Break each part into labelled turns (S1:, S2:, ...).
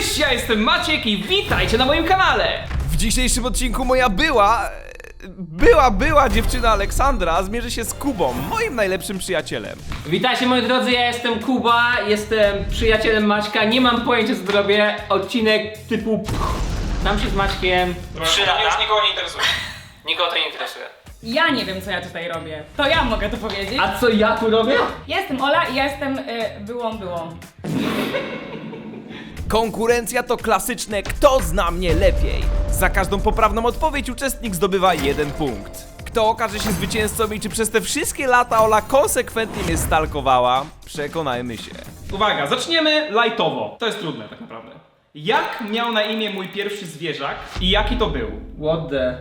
S1: Cześć, ja jestem Maciek i witajcie na moim kanale!
S2: W dzisiejszym odcinku moja była dziewczyna Aleksandra zmierzy się z Kubą, moim najlepszym przyjacielem.
S1: Witajcie moi drodzy, ja jestem Kuba, jestem przyjacielem Maćka, nie mam pojęcia co zrobię, odcinek typu nam się z Maćkiem 3 lata.
S3: Już nikogo nie interesuje.
S1: Nikogo to nie interesuje.
S4: Ja nie wiem, co ja tutaj robię. To ja mogę to powiedzieć.
S1: A co ja tu robię?
S4: Ja jestem Ola i ja jestem byłą.
S2: Konkurencja to klasyczne kto zna mnie lepiej. Za każdą poprawną odpowiedź uczestnik zdobywa 1 punkt. Kto okaże się zwycięzcą i czy przez te wszystkie lata Ola konsekwentnie mnie stalkowała, przekonajmy się.
S3: Uwaga, zaczniemy lightowo. To jest trudne tak naprawdę. Jak miał na imię mój pierwszy zwierzak i jaki to był?
S1: What the...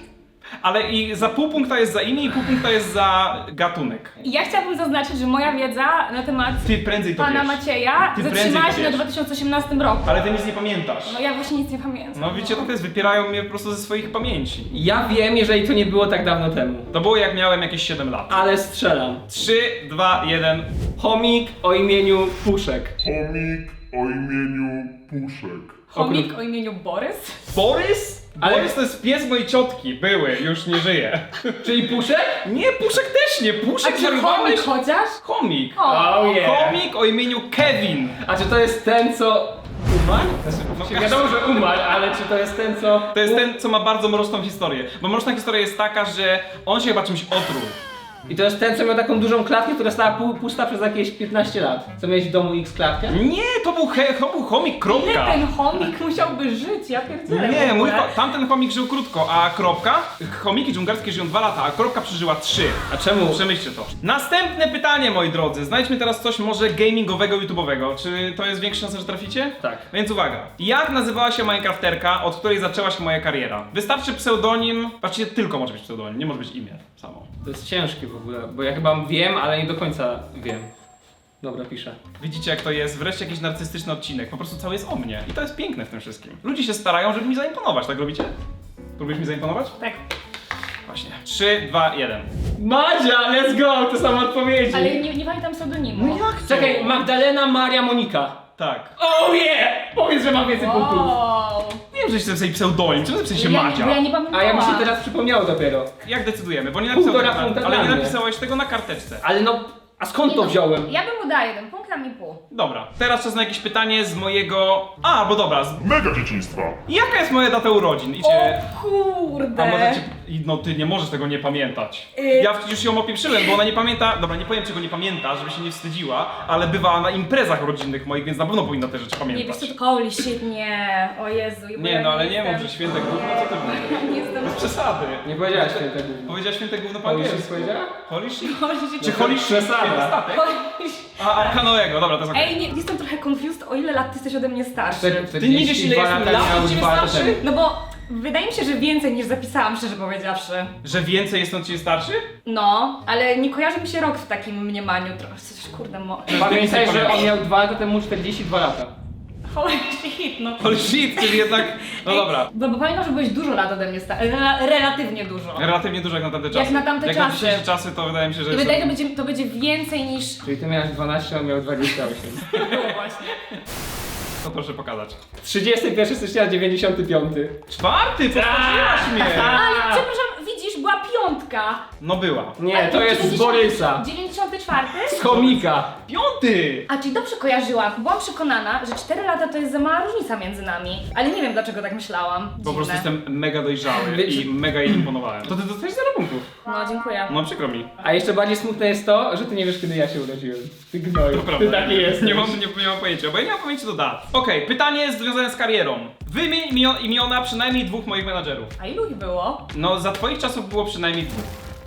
S3: Ale i za pół punkta jest za imię i pół punkta jest za gatunek.
S4: I ja chciałabym zaznaczyć, że moja wiedza na temat
S3: Ty prędzej to
S4: pana
S3: wiesz.
S4: Macieja
S3: Ty
S4: zatrzymała
S3: prędzej
S4: się
S3: to
S4: na
S3: wiesz.
S4: 2018 roku.
S3: Ale ty nic nie pamiętasz.
S4: No ja właśnie nic nie pamiętam.
S3: No wiecie, to jest, wypierają mnie po prostu ze swoich pamięci.
S1: Ja wiem, jeżeli to nie było tak dawno temu.
S3: To było jak miałem jakieś 7 lat.
S1: Ale strzelam.
S3: 3, 2, 1.
S1: Chomik o imieniu Puszek.
S5: Chomik o imieniu Puszek.
S4: Chomik o imieniu Borys?
S3: Borys?
S1: Ale-
S3: Borys to jest pies mojej ciotki. Były, już nie żyje.
S1: Czyli Puszek?
S3: Nie, Puszek też nie.
S4: A
S3: Puszek
S4: czy
S3: zarywałeś?
S4: chomik chociaż?
S3: Chomik.
S4: O,
S3: Chomik o imieniu Kevin.
S1: A czy to jest ten, co umarł?
S3: No,
S1: Wiadomo, że umarł, ale czy to jest ten, co...
S3: To jest ten, co ma bardzo mroczną historię. Bo mroczna historia jest taka, że on się chyba czymś otruł.
S1: I to jest ten, co miał taką dużą klatkę, która stała pusta przez jakieś 15 lat. Co miałeś w domu X klatkę?
S3: Nie, to był chomik,
S4: ile
S3: kropka.
S4: ten chomik musiałby żyć? Ja pierdzielę.
S3: Nie,
S4: w ogóle.
S3: tamten chomik żył krótko, a kropka, chomiki dżungarskie żyją 2 lata, a kropka przeżyła 3.
S1: A czemu?
S3: Przemyślcie to. Następne pytanie, moi drodzy. Znajdźmy teraz coś może gamingowego, YouTube'owego. Czy to jest większa szansa, że traficie?
S1: Tak.
S3: Więc uwaga. Jak nazywała się Minecrafterka, od której zaczęła się moja kariera? Wystarczy pseudonim, patrzcie, tylko może być pseudonim, nie może być imię samo.
S1: To jest ciężkie w ogóle, bo ja chyba wiem, ale nie do końca wiem. Dobra, piszę.
S3: Widzicie jak to jest? Wreszcie jakiś narcystyczny odcinek. Po prostu cały jest o mnie. I to jest piękne w tym wszystkim. Ludzie się starają, żeby mi zaimponować, tak robicie? Próbujesz mi zaimponować?
S4: Tak.
S3: Właśnie. 3, 2, 1.
S1: Madzia, let's go! To samo odpowiedzi.
S4: Ale nie pamiętam pseudonimu.
S3: No jak to?
S1: Czekaj, Magdalena Maria Monika.
S3: Tak.
S1: Oh yeah! Powiedz, że mam więcej punktów.
S4: Wow.
S3: Wiem, że jestem sobie pseudonim. Czemu napisałeś się
S4: Bo
S3: Madzia?
S4: ja nie pamiętałam.
S1: A ja mi się teraz przypomniało dopiero.
S3: Jak decydujemy? Bo nie napisałeś
S1: Półtora
S3: tego,
S1: punkta
S3: ale
S1: dla
S3: nie
S1: mnie.
S3: napisałeś tego na karteczce.
S1: Ale no, a skąd
S4: Nie
S1: to
S4: no,
S1: wziąłem?
S4: Ja bym mu dała 1 punkt, a mi pół.
S3: Dobra, teraz czas na jakieś pytanie z mojego... A, bo dobra.
S5: Mega dzieciństwa.
S3: Jaka jest moja data urodzin? Idzie...
S4: O kurde.
S3: A możecie... No ty nie możesz tego nie pamiętać. Ja już ją opieprzyłem, bo ona nie pamięta... Dobra, nie powiem czego nie pamięta, żeby się nie wstydziła, ale bywała na imprezach rodzinnych moich, więc na pewno powinna te rzeczy
S4: Nie,
S3: pamiętać.
S4: wiesz co, to holy shit, nie. O Jezu. bo
S3: Nie,
S4: ja
S3: no ale nie mów,
S4: jestem-
S3: że święte gówno, co ty mówisz?
S4: Nie jestem...
S3: Bez przesady.
S1: Nie powiedziałaś święte gówno.
S3: Powiedziała święte gówno po
S1: Holy shit
S3: angielsku.
S1: powiedziała?
S3: Holy shit?
S4: Holy shit.
S3: Czy holy shit?
S1: Przesada.
S3: Święty statek?
S4: Holy shit.
S3: A Kanoego, dobra, to jest okej.
S4: Ej, nie, jestem trochę confused, o ile lat ty jesteś ode mnie starszy.
S3: Ty nie wiesz, ile jestem lat, od ciebie starszy?
S4: No bo wydaje mi się, że więcej niż zapisałam, szczerze powiedziawszy.
S3: Że więcej jest od ciebie starszy?
S4: No, ale nie kojarzy mi się rok w takim mniemaniu. Trochę coś, kurde,
S1: Pamiętaj, że on miał 2 lata temu 42 lata.
S4: Holy shit, no.
S3: Holy shit, czyli jednak... No
S4: Ej,
S3: dobra.
S4: Bo pamiętam, że byłeś dużo lat ode mnie starszy. Relatywnie dużo.
S3: Relatywnie dużo jak na tamte czasy.
S4: Jak na tamte
S3: Jak na
S4: czasy.
S3: dzisiejsze czasy, to wydaje mi się, że
S4: I
S3: jest...
S4: wydaje się, że to będzie więcej niż...
S1: Czyli ty miałeś 12, a on miał 28.
S4: Było właśnie.
S3: To proszę pokazać.
S1: 31 stycznia 95.
S3: Czwarty, postawiłaś mnie!
S4: Ale przepraszam, widzisz, była piątka.
S3: No była.
S1: Nie, to jest z Borysa.
S4: 94?
S1: Z chomika.
S3: Piąty!
S4: A, czyli dobrze kojarzyłam. Byłam przekonana, że 4 lata to jest za mała różnica między nami. Ale nie wiem, dlaczego tak myślałam.
S3: Po prostu
S4: Dziwne.
S3: jestem mega dojrzały
S1: Wiecie-
S3: i mega jej imponowałem. To ty dostajesz 0 punktów.
S4: No, dziękuję.
S3: No przykro mi.
S1: A jeszcze bardziej smutne jest to, że ty nie wiesz, kiedy ja się urodziłem. Ty gnoju.
S3: To prawda.
S1: Ty taki jest.
S3: Nie mam pojęcia, bo ja nie mam pojęcia do dat. Okej, pytanie związane z karierą. Wymień imiona przynajmniej 2 moich menadżerów.
S4: A ilu ich było?
S3: No za twoich czasów było przynajmniej 2.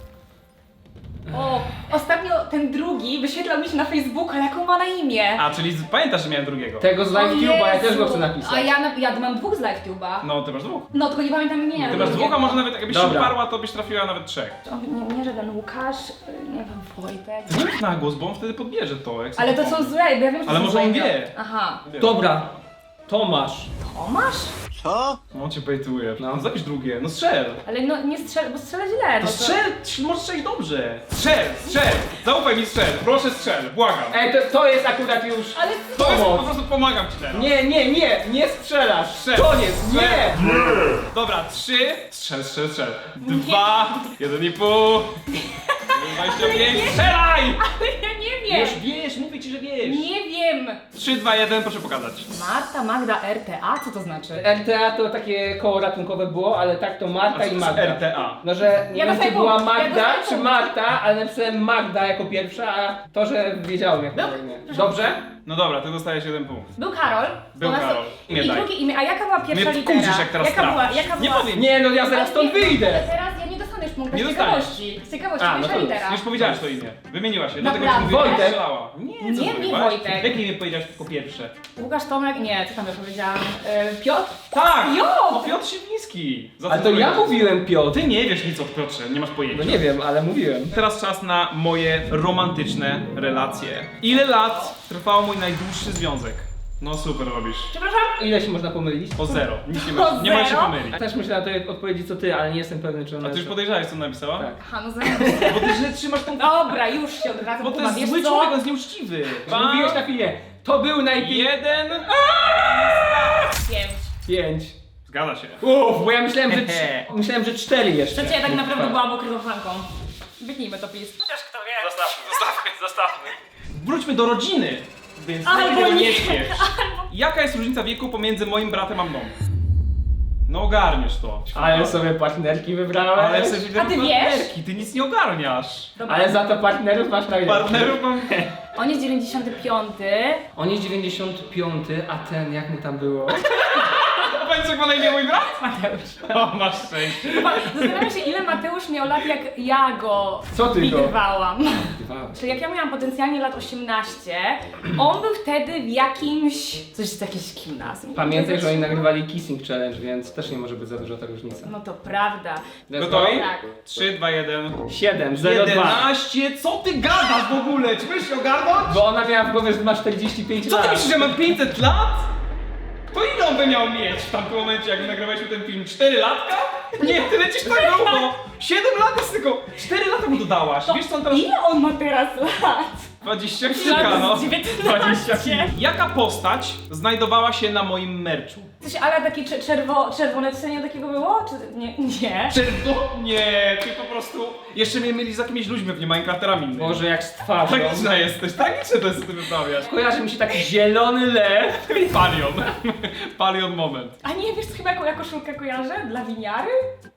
S4: O, ostatnio ten drugi wyświetlał mi się na Facebooku, ale jaką ma na imię?
S3: A, czyli pamiętasz, że miałem drugiego.
S1: Tego z
S4: O
S1: LiveTube'a, ja też
S4: Jezu.
S1: go chcę napisać.
S4: A ja mam 2 z LiveTube'a.
S3: No, ty masz 2.
S4: No, tylko nie pamiętam imienia.
S3: Ty masz 2, a może nawet jakbyś się
S1: Dobra.
S3: uparła, to byś trafiła nawet 3.
S4: Nie, żaden Łukasz, nie wiem, Wojtek.
S3: Nie mów na głos, bo on wtedy podbierze to. Jak
S4: Ale to są złe, bo ja wiem, że
S3: Ale
S4: są
S3: może on
S4: złe.
S3: wie.
S4: Aha.
S1: Dobra. Tomasz.
S4: Tomasz?
S3: On cię bejtuje.
S1: No.
S3: No zapisz drugie, no strzel.
S4: Ale no nie strzel, bo strzela źle.
S3: To
S4: No
S3: strzel, możesz strzelić dobrze. Strzel! Zaufaj mi, strzel, proszę strzel, błagam.
S1: Ej, to jest akurat już...
S4: Ale
S3: To jest, po
S1: pomoc.
S3: prostu pomagam ci teraz.
S1: Nie strzelasz.
S3: Strzel.
S1: Koniec, nie.
S3: Dobra, 3. Strzel. 2, 1,5. 25. Strzelaj!
S4: ale ja nie wiem.
S3: Wiesz, mówię ci, że wiesz.
S4: Nie wiem.
S3: 3, 2, 1, proszę pokazać.
S4: Marta, Magda, RTA? Co to znaczy?
S1: RTA to takie koło ratunkowe było, ale tak to Marta i Magda.
S3: RTA.
S1: No, że nie
S4: Ja
S1: wiem, czy
S4: dostaję
S1: była
S4: punkt, ja
S1: Magda,
S4: dostaję
S1: czy
S4: punkt.
S1: Marta, ale napisałem Magda jako pierwsza, a to, że wiedziałem jak to imię. Dobrze?
S3: No dobra, ty dostajesz 1 punkt.
S4: Był Karol.
S3: Był
S4: U nas to-
S3: Karol. Nie
S4: I
S3: daj.
S4: drugie imię, a jaka była pierwsza
S3: Mnie
S4: litera?
S3: wkurzysz, jak teraz
S4: jaka była,
S3: trafisz.
S4: jaka
S3: Nie
S4: była?
S3: powiem.
S1: Nie, no ja zaraz stąd
S4: Ale
S1: wyjdę.
S4: teraz ja nie dostanę już punkta
S3: Nie
S4: z
S3: dostaniesz.
S4: ciekawości. Z ciekawości,
S1: A, no
S4: pierwsza
S1: to już.
S4: litera.
S3: Już powiedziałeś to imię. Wymieniła się. Dlatego
S4: Naprawdę?
S3: ci mówię,
S1: Wojtek.
S3: strzelała. Nie, co
S4: Nie,
S3: ty
S4: nie
S3: mówiłaś?
S4: Wojtek.
S3: Jakie imię powiedziałeś tylko pierwsze?
S4: Łukasz Tomek, nie, co tam ja powiedziałam? Piotr?
S3: Tak!
S4: Piotr!
S3: No Piotr Siwiński. Za
S1: Ale
S3: co
S1: to ja
S3: powiedziałeś?
S1: mówiłem Piotr.
S3: Ty nie wiesz nic o Piotrze, nie masz pojęcia.
S1: No nie wiem, ale mówiłem.
S3: Teraz czas na moje romantyczne relacje. Ile lat trwał mój najdłuższy związek? No super robisz.
S4: Przepraszam?
S1: Ile się można pomylić?
S3: O 0. Nic nie
S4: O
S3: możesz, nie możesz się
S4: zero?
S3: pomylić.
S1: Też myślałem o tej odpowiedzi co ty, ale nie jestem pewny, czy ona
S3: A ty już
S1: jest-
S3: podejrzałeś, co napisała?
S1: Tak.
S4: Aha, no zaraz.
S3: Bo ty źle trzymasz tą...
S4: Dobra, już się od razu
S3: Bo to
S4: kumam.
S3: jest
S4: Wiesz
S3: zły
S4: co?
S3: człowiek, on jest nieuczciwy.
S1: Mówiłeś na chwilę. To był najpierw...
S3: 1.
S4: 5.
S1: 5.
S3: Zgadza się.
S1: Uff, bo ja myślałem, że 4 jeszcze.
S4: Przecież ja tak naprawdę byłam ukrytą flanką. Wytnijmy to PiS. Chociaż kto wie.
S3: Zostawmy. Wróćmy do rodziny. Więc
S4: Albo
S3: tego nie
S4: nie.
S3: śpiesz. Jaka jest różnica wieku pomiędzy moim bratem a mną? No ogarniesz to.
S1: Ale sobie partnerki wybrałem.
S3: Ale sobie
S4: A ty wiesz?
S3: partnerki, ty nic nie ogarniasz.
S4: Dobra.
S1: Ale za to partnerów masz najlepszych.
S3: Partnerów mam...
S4: On jest 95.
S1: On jest 95, a ten, jak mu tam było?
S3: Powiedz, jak ma na imię mój brat?
S4: Mateusz.
S3: O, masz szczęście.
S4: Zastanawiam się, ile Mateusz miał lat, jak ja go
S1: Co ty go?
S4: widywałam. Czyli jak ja miałam potencjalnie lat 18, on był wtedy w jakimś... coś z jakieś gimnazjum.
S1: Pamiętaj, że oni nagrywali Kissing Challenge, więc też nie może być za duża ta różnica.
S4: No to prawda.
S3: Gotowi?
S4: Tak.
S3: 3, 2, 1.
S1: 7, 0, 2.
S3: 11? Co ty gadasz w ogóle? Czy będziesz się ogarnąć?
S1: Bo ona miała w głowie, że ma 45
S3: Co
S1: lat.
S3: ty myślisz, że mam 500 lat? To ile on by miał mieć w tamtym momencie, jak nagrywaliśmy ten film? 4 latka? Nie, ty lecisz tak długo! 7 lat jest tylko... 4 lata mu dodałaś. Wiesz co on teraz...
S4: Ile on ma teraz lat?
S3: 20 kilka, no.
S4: Lat 19.
S3: Jaka postać znajdowała się na moim merczu?
S4: Coś ale takie czerwone cenie takiego było? Czy nie? Nie.
S3: Nie, ty po prostu... Jeszcze mnie myli z jakimiś ludźmi, pewnie Minecrafterami innymi.
S1: Może jak z twarzą.
S3: Tragiczna jesteś, tragiczne to jest, co ty wyprawiasz.
S1: Kojarzy mi się taki zielony lew.
S3: Palion. Palion moment.
S4: A nie, wiesz co chyba jaką ja koszulkę kojarzę? Dla winiary?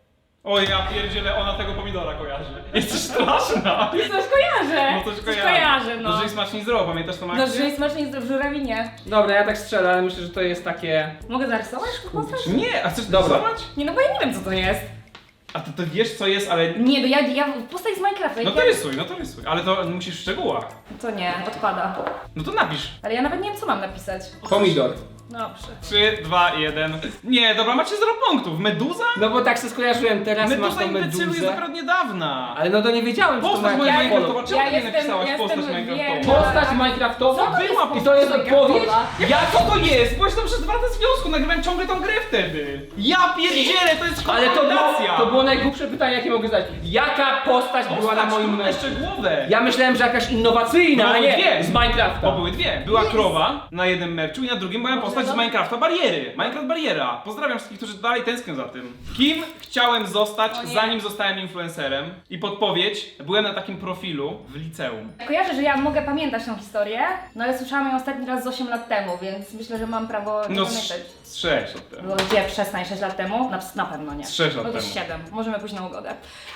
S3: Oj, ja pierdzielę, ona tego pomidora kojarzy. Jesteś straszna.
S4: Coś kojarzę!
S3: No coś
S4: kojarzę, no.
S3: No, że smacznie zdrowo, pamiętasz tą
S4: No,
S3: akcję?
S4: że smacznie jest w żurawinie.
S1: Dobra, ja tak strzelę, ale myślę, że to jest takie...
S4: Mogę zarysować postać?
S3: Nie, a chcesz
S1: Dobra.
S3: rysować?
S4: Nie, no bo ja nie wiem co to jest.
S3: A ty to wiesz co jest, ale...
S4: Nie, no ja postać z Minecrafta.
S3: No to rysuj, ale to musisz w szczegółach.
S4: To nie, odpada.
S3: No to napisz.
S4: Ale ja nawet nie wiem co mam napisać.
S1: Pomidor.
S4: Dobrze.
S3: 3, 2, 1. Nie, dobra, macie 0 punktów. Meduza?
S1: No bo tak się skojarzyłem, teraz masz
S3: Meduza
S1: tą
S3: imbecylu jest
S1: meduzę.
S3: dopiero od niedawna.
S1: Ale no to nie wiedziałem, czy to
S3: Postać
S1: ma
S3: moja
S1: jakiś
S3: Minecraftowa,
S1: kolor.
S3: czemu
S4: Ja
S3: ty nie
S4: jestem-
S3: napisałaś
S4: jestem
S3: postać
S4: wierna.
S3: Minecraftowa?
S1: Postać Minecraftowa?
S4: Co to jest
S3: Była
S1: I to jest
S4: postać
S1: odpowiedź?
S4: Minecraftowa?
S3: Jak to jest? Byłeś tam przez 2 lata związku, nagrywałem ciągle tą grę wtedy. Ja pierdzielę, to jest
S1: Ale
S3: konfrontacja.
S1: to było najgłupsze pytanie, jakie mogę zadać. Jaka postać była na moim
S3: trudne,
S1: meczu?
S3: szczegółowe.
S1: Ja myślałem, że jakaś innowacyjna, a
S3: Były
S1: nie
S3: dwie.
S1: z Minecrafta.
S3: Bo były dwie. Była krowa na jednym meczu i na drugim była postać z Minecrafta Bariery. Minecraft Bariera. Pozdrawiam wszystkich, którzy dalej tęsknią za tym. Kim chciałem zostać,
S4: O nie.
S3: zanim zostałem influencerem? I podpowiedź, byłem na takim profilu w liceum.
S4: Kojarzę, że ja mogę pamiętać tą historię, no ale słyszałam ją ostatni raz z 8 lat temu, więc myślę, że mam prawo nie
S3: No
S4: pamiętać.
S3: z 6 lat temu.
S4: Było gdzie? 6 lat temu? Na pewno nie.
S3: Z 6 lat
S4: No to
S3: temu.
S4: 7. Możemy pójść na ugodę.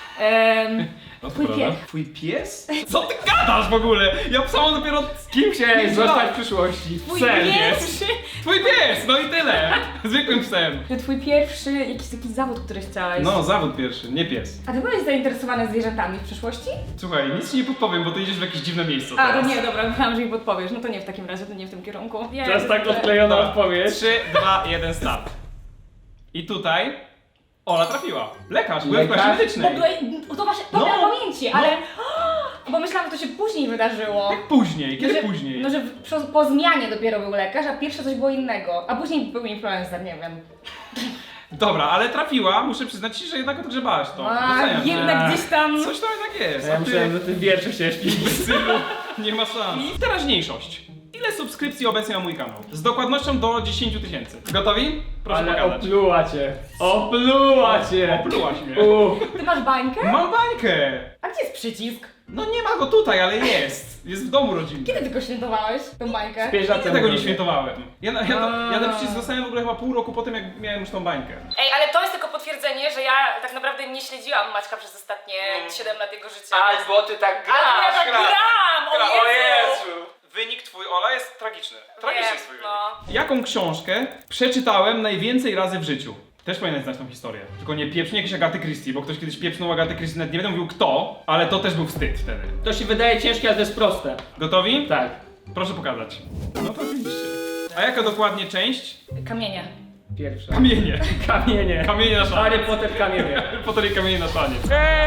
S3: No to
S4: Twój
S3: prawda.
S4: pies.
S3: Twój pies? Co ty gadasz w ogóle? Ja pisałam dopiero z kim
S1: Chciałeś zostać w przyszłości.
S4: Twój
S3: Psem
S4: pierwszy!
S3: Twój pies, no i tyle. Zwykłym psem.
S4: Że twój pierwszy jakiś taki zawód, który chciałeś.
S3: No, zawód pierwszy, nie pies.
S4: A ty byłeś zainteresowany zwierzętami w przyszłości?
S3: Słuchaj, nic ci nie podpowiem, bo ty idziesz w jakieś dziwne miejsce
S4: A, to
S3: teraz.
S4: nie, dobra, myślałam, że mi podpowiesz. No to nie w takim razie, to nie w tym kierunku.
S1: To jest tak odklejona odpowiedź.
S3: 3, 2, 1, start. I tutaj Ola trafiła. Lekarz, byłem w klasie
S1: Lekarz?
S4: Bo
S3: medycznej.
S4: byłeś, to właśnie, dobra
S3: No,
S4: pamięci, ale... Bo myślałam, że to się później wydarzyło.
S3: Jak później? Kiedy
S4: No, że-
S3: później?
S4: No, że po zmianie dopiero był lekarz, a pierwsze coś było innego. A później był influencer, nie wiem.
S3: Dobra, ale trafiła, muszę przyznać ci, że jednak odgrzebałaś to.
S4: A,
S3: Doceniam cię.
S4: jednak gdzieś tam...
S3: Coś tam jednak jest.
S1: Ja
S3: A
S1: myślałem, że
S3: ty,
S1: ty wiersze chciałeś pisać.
S3: nie ma szans. Teraźniejszość. Ile subskrypcji obecnie ma mój kanał? Z dokładnością do 10 000. Gotowi? Proszę
S1: Ale
S3: pokazać.
S1: opluła cię. Opluła cię.
S3: Oplułaś mnie.
S4: Ty masz bańkę?
S3: Mam bańkę!
S4: A gdzie jest przycisk?
S3: No nie ma go tutaj, ale jest. Jest w domu rodzinnym.
S4: Kiedy ty go świętowałeś, tą bańkę?
S1: Pięć lat
S3: Ja
S1: temu
S3: tego nie
S1: robię.
S3: świętowałem. Ja ten przycisk dostałem w ogóle chyba pół roku po tym, jak miałem już tą bańkę.
S4: Ej, ale to jest tylko potwierdzenie, że ja tak naprawdę nie śledziłam Maćka przez ostatnie 7 lat jego życia.
S1: Albo ty tak grasz.
S4: Ale ja tak gram! O Jezu!
S3: Wynik twój, Ola, jest tragiczny. Tragiczny jest twój wynik.
S4: no.
S3: Jaką książkę przeczytałem najwięcej razy w życiu? Też powinien znać tą historię. Tylko nie pieprznie jakieś Agaty Christie, bo ktoś kiedyś pieprznął Agaty Christie, nawet nie będę mówił kto, ale to też był wstyd wtedy.
S1: To się wydaje ciężkie, ale to jest proste.
S3: Gotowi?
S1: Tak.
S3: Proszę pokazać. No to oczywiście. A jaka dokładnie część?
S4: Kamienie.
S1: Pierwsza.
S3: Kamienie.
S1: Kamienie.
S3: Kamienie na szanie.
S1: Harry Potter kamienie.
S3: Potem kamienie na szanie.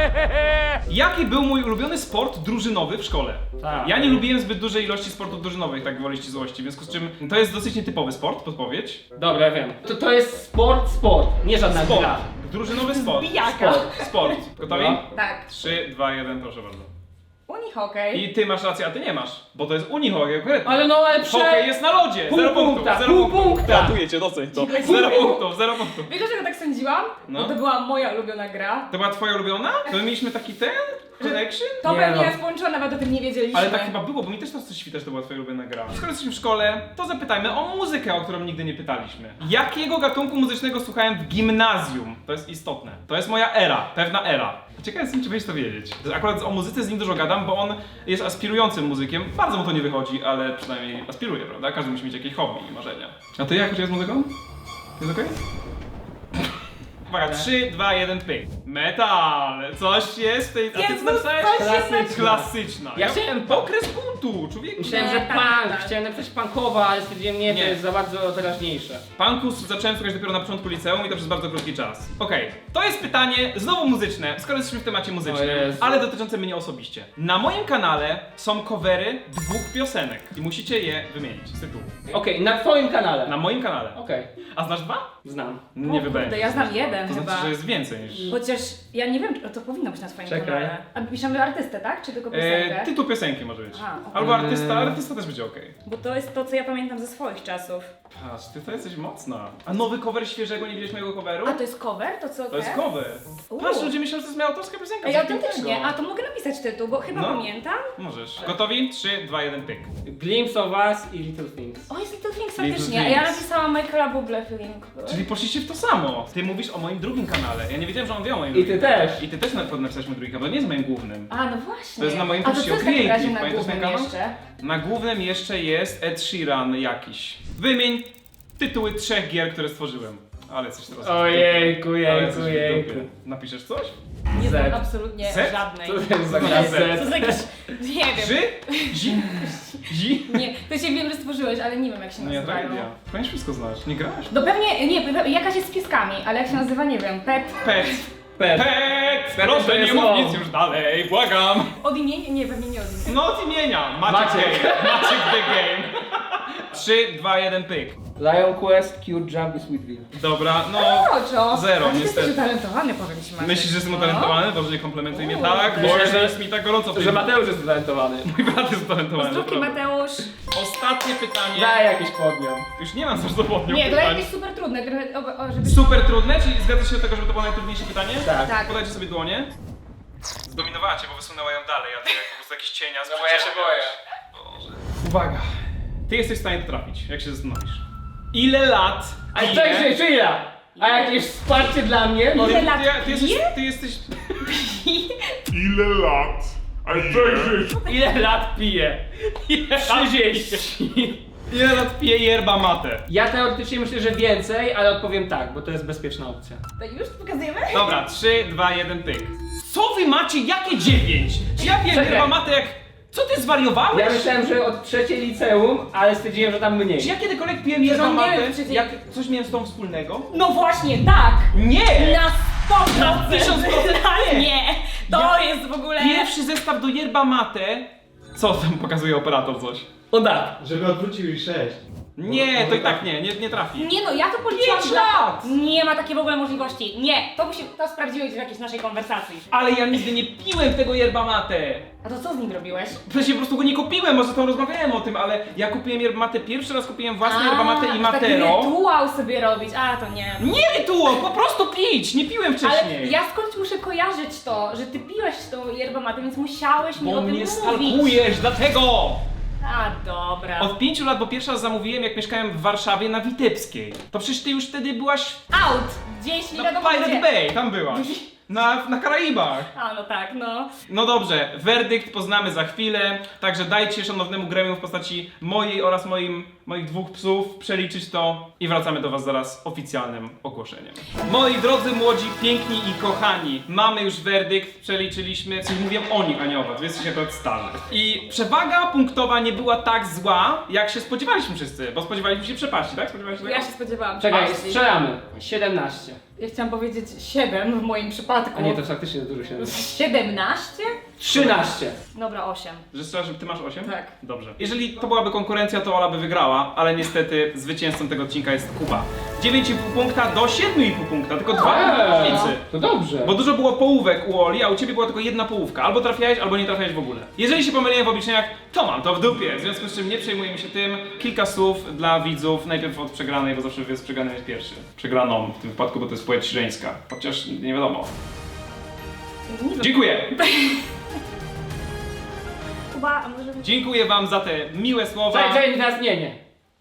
S3: Jaki był mój ulubiony sport drużynowy w szkole?
S1: Tak.
S3: Ja nie lubiłem zbyt dużej ilości sportów drużynowych, tak gwoli ścisłości, w związku z czym to jest dosyć nietypowy sport, podpowiedź.
S1: Dobra, ja wiem. To jest sport. Nie żadna
S3: Sport.
S1: gra.
S3: Drużynowy sport.
S4: Bijaka.
S3: Sport. Gotowi?
S1: No.
S4: Tak.
S3: 3, 2, 1, proszę bardzo.
S4: Unihokej.
S3: I ty masz rację, a ty nie masz, bo to jest unihokej konkretnie.
S1: Ale no, ale
S3: Hokej jest na lodzie!
S1: Pół
S3: 0 punktów,
S1: punkta,
S3: 0
S1: pół
S3: punktów.
S1: punkta.
S3: Gratuluję cię, doceń to. 0 punktów, 0 punktów.
S4: Wiesz dlaczego tak sądziłam?
S3: No.
S4: Bo to była moja ulubiona gra.
S3: To była twoja ulubiona? To my mieliśmy taki ten? Connection?
S4: To
S1: Nie
S4: pewnie
S1: no.
S4: jest połączone, nawet o tym nie wiedzieliśmy.
S3: Ale tak chyba było, bo mi też to coś świta, że to była twoja ulubiona gra. Skoro jesteśmy w szkole, to zapytajmy o muzykę, o którą nigdy nie pytaliśmy. Jakiego gatunku muzycznego słuchałem w gimnazjum? To jest istotne. To jest moja era, pewna era. Ciekawe jestem, czy będziesz to wiedzieć. Akurat o muzyce z nim dużo gadam, bo on jest aspirującym muzykiem. Bardzo mu to nie wychodzi, ale przynajmniej aspiruje, prawda? Każdy musi mieć jakieś hobby i marzenia. A ty jak z muzyką? Jest okej? Uwaga, 3, 2, 1, pyk. Metal! Coś jest w tej... A ty
S4: Jezus,
S3: co napisałeś?
S4: coś jest
S1: Klasyczna.
S3: Klasyczna.
S1: Ja chciałem
S3: okres buntu, człowieku.
S1: Myślałem, że
S4: Nie, tak,
S1: punk.
S4: tak.
S1: Chciałem napisać punkowa, ale stwierdziłem nie,
S3: Nie.
S1: to jest za bardzo teraźniejsze.
S3: Punku zacząłem słuchać dopiero na początku liceum i to przez bardzo krótki czas. Okej, to jest pytanie znowu muzyczne, skoro jesteśmy w temacie
S1: O
S3: muzycznym,
S1: Jezu.
S3: ale dotyczące mnie osobiście. Na moim kanale są covery 2 piosenek i musicie je wymienić z tytułu.
S1: Okej, na twoim kanale.
S3: Na moim kanale.
S1: Okej,
S3: A znasz 2?
S1: znam.
S3: Nie
S4: O
S3: wybrałem.
S4: kurde, ja znam jeden
S3: To
S4: chyba.
S3: znaczy, że jest więcej niż...
S4: Chociaż ja nie wiem, czy to powinno być na swoim
S1: Czekaj.
S4: kanale. A piszemy artystę, tak? Czy tylko piosenkę?
S3: Tytuł piosenki może być.
S4: A, okej.
S3: Albo artysta też będzie okej.
S4: Bo to jest to, co ja pamiętam ze swoich czasów.
S3: Patrz, ty to jesteś mocna. A nowy cover świeżego, nie widziałeś mojego coveru?
S4: A to jest cover? To co
S3: To jest cover. Patrz, ludzie myślą, że to jest moja autorska piosenka.
S4: Ej,
S3: coś
S4: autentycznie.
S3: pięknego.
S4: A to mogę napisać tytuł, bo chyba
S3: No.
S4: pamiętam.
S3: Możesz. Gotowi? 3, 2, 1, pyk.
S1: Glimpse of Us i Little Things.
S4: O, jest Little Things
S3: Little
S4: faktycznie. A ja
S3: Things.
S4: napisałam Michaela Bublé feeling.
S3: Czyli poszliście w to samo. Ty mówisz o moim drugim kanale. Ja nie wiedziałem, że on wie o moim
S1: I
S3: drugim
S1: ty
S3: kanale.
S1: też.
S3: I ty też napisałeś mój drugi kanał, to nie jest moim głównym.
S4: A, no właśnie.
S3: To jest na moim
S4: A to
S3: kursie
S4: co
S3: o
S4: jest w takim razie
S3: Creative.
S4: na
S3: Pamiętasz ten
S4: głównym
S3: kanał?
S4: jeszcze?
S3: Na głównym jeszcze jest Ed Sheeran jakiś. Wymień tytuły 3 gier, które stworzyłem. Ale jesteś teraz. w
S1: Ojejku,
S3: dupie. Ale
S1: jejku,
S3: jesteś w
S1: jejku.
S3: dupie. Napiszesz coś?
S4: Nie znam
S1: Z.
S4: absolutnie
S3: Z?
S4: żadnej.
S1: Co to jest za
S3: Co
S1: gra
S3: jest
S1: Z?
S4: To jest jakiś... Nie wiem.
S3: Ży? Zi? Zi?
S4: Nie, to się wiem, że stworzyłeś, ale nie wiem jak się
S3: No nie,
S4: nazywają.
S3: tragedia. Powinieneś wszystko znasz. Nie grasz?
S4: No pewnie, nie, jakaś jest z pieskami, ale jak się nazywa, nie wiem, Pet.
S3: Pet.
S1: Pet.
S3: Pet!
S1: to
S3: Proszę,
S1: jest
S3: nie mów
S1: on.
S3: nic już dalej, błagam.
S4: Od imienia? Nie, pewnie nie od imienia.
S3: No od imienia. Maciek
S1: Maciek.
S3: Game. Maciek the Game. 3, 2, 1, pyk.
S1: Lion Quest, Cure Jump i Sweetville.
S3: Dobra, no...
S4: Oczo.
S3: Zero,
S4: A ty
S3: niestety.
S4: jesteś utalentowany, powiem ci, Maciek.
S3: Myślisz, że jestem utalentowany? Boże, nie komplementuj mnie
S4: Uuu,
S3: tak,
S4: to
S3: bo
S1: jest-
S3: że jest mi tak gorąco w tej...
S1: Że Mateusz jest utalentowany.
S3: Mój brat jest utalentowany,
S4: Pozdrówki,
S3: naprawdę.
S4: Mateusz.
S3: Ostatnie pytanie.
S1: Daj jakiś podmiot.
S3: Już nie mam co zapomniał
S4: Nie, to
S3: pytań.
S4: jakieś super trudne, trochę, żeby...
S3: Super trudne, czyli zgadzasz się do tego, żeby to było najtrudniejsze pytanie?
S1: Tak.
S4: Tak.
S3: Podajcie sobie dłonie. Zdominowała cię, bo wysunęła ją dalej, a ty jak po prostu jakiś cienia z
S1: No bo ja się boję.
S3: Boże. Uwaga. Ty jesteś w stanie to trafić, jak się zastanowisz. Ile lat
S1: Ale
S3: pije-
S1: czekaj, czy ja? A jakieś wsparcie dla mnie? No,
S4: Ile lat
S3: ty jesteś...
S5: Ile lat? A ile?
S1: ile lat piję? 30.
S3: Ile lat pije yerba mate?
S1: Ja teoretycznie myślę, że więcej, ale odpowiem tak, bo to jest bezpieczna opcja.
S4: To już pokazujemy?
S3: Dobra, 3, 2, 1, pyk. Co wy macie? Jakie 9? Czy ja piję
S1: Czekaj.
S3: yerba mate jak... Co ty zwariowałeś?
S1: Ja myślałem, że od trzeciej liceum, ale stwierdziłem, że tam mniej.
S3: Czy ja kiedykolwiek piłem
S4: Że
S3: yerba
S4: on nie
S3: mate?
S4: wiem, czy ty-
S3: Jak coś miałem z tą wspólnego?
S4: No właśnie, tak!
S3: Nie!
S4: Na 100%!
S3: 1000%
S4: Nie! To jest w ogóle...
S3: Pierwszy zestaw do yerba mate. Co tam pokazuje operator coś?
S1: O tak.
S6: Żeby odwrócił i 6.
S3: Nie, to i tak nie trafi.
S4: Nie no, ja to policzyłam
S3: 5 lat!
S4: Nie ma takiej w ogóle możliwości. Nie, to sprawdziłeś w jakiejś naszej konwersacji.
S3: Ale ja nigdy nie piłem tego yerba mate.
S4: A to co z nim robiłeś?
S3: Przecież po prostu go nie kupiłem, może tam rozmawiałem o tym, ale ja kupiłem yerba mate, pierwszy raz kupiłem własne yerba mate i
S4: Taki
S3: matero.
S4: rytuał sobie robić, a to nie.
S3: Nie rytuał, po prostu pić, nie piłem wcześniej.
S4: Ale ja skądś muszę kojarzyć to, że ty piłeś tą yerbę matę, więc musiałeś mi o
S3: Bo
S4: tym
S3: mnie
S4: mówić.
S3: stalkujesz, dlatego!
S4: A dobra.
S3: Od 5 lat, bo pierwszy raz zamówiłem, jak mieszkałem w Warszawie na Witebskiej. To przecież ty już wtedy byłaś
S4: Out! Gdzieś nie
S3: na
S4: wiadomo
S3: Pirate
S4: gdzie.
S3: Bay, tam byłaś. Na Karaibach.
S4: A no tak, no.
S3: No dobrze, werdykt poznamy za chwilę, także dajcie szanownemu gremium w postaci mojej oraz moich dwóch psów przeliczyć to i wracamy do was zaraz oficjalnym ogłoszeniem. Moi drodzy, młodzi, piękni i kochani, mamy już werdykt, przeliczyliśmy, coś mówię o nich, a nie o was, wy jesteście akurat starzy. I przewaga punktowa nie była tak zła, jak się spodziewaliśmy wszyscy, bo spodziewaliśmy się przepaści, tak? Spodziewaliście się
S4: Ja
S3: tego?
S4: się spodziewałam.
S1: Czekaj,
S4: przepaści.
S1: strzelamy. 17.
S4: Ja chciałam powiedzieć 7 w moim przypadku.
S1: A nie, to faktycznie dużo się
S4: 17?
S1: 13.
S4: Dobra, 8.
S3: Że strzelasz, że ty masz 8?
S4: Tak.
S3: Dobrze. Jeżeli to byłaby konkurencja, to Ola by wygrała, ale niestety zwycięzcą tego odcinka jest Kuba. 9,5 punkta do 7,5 punkta, tylko 2 różnicy.
S1: To dobrze.
S3: Bo dużo było połówek u Oli, a u ciebie była tylko jedna połówka. Albo trafiałeś, albo nie trafiałeś w ogóle. Jeżeli się pomyliłem w obliczeniach, to mam to w dupie. W związku z czym nie przejmujemy się tym. Kilka słów dla widzów, najpierw od przegranej, bo zawsze jest przegrany jest pierwszy. Przegraną w tym wypadku, bo to jest płeć żeńska. Chociaż nie wiadomo. Dziękuję!
S4: Kuba, a może...
S3: Dziękuję wam za te miłe słowa.
S1: Czekaj, teraz nie.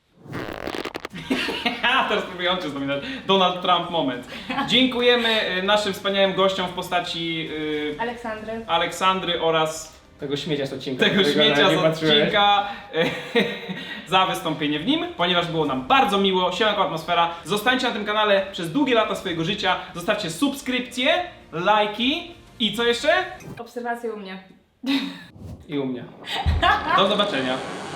S3: Teraz próbuję cię zdominać. Donald Trump moment. Dziękujemy naszym wspaniałym gościom w postaci
S4: Aleksandry.
S3: Aleksandry oraz
S1: Tego śmiecia z odcinka.
S3: tego
S1: którego
S3: śmiecia
S1: nawet
S3: z
S1: nie patrzyłeś.
S3: odcinka za wystąpienie w nim, ponieważ było nam bardzo miło, siemanko atmosfera. Zostańcie na tym kanale przez długie lata swojego życia, zostawcie subskrypcje, lajki i co jeszcze?
S4: Obserwacje u mnie.
S1: I u mnie.
S3: Do zobaczenia.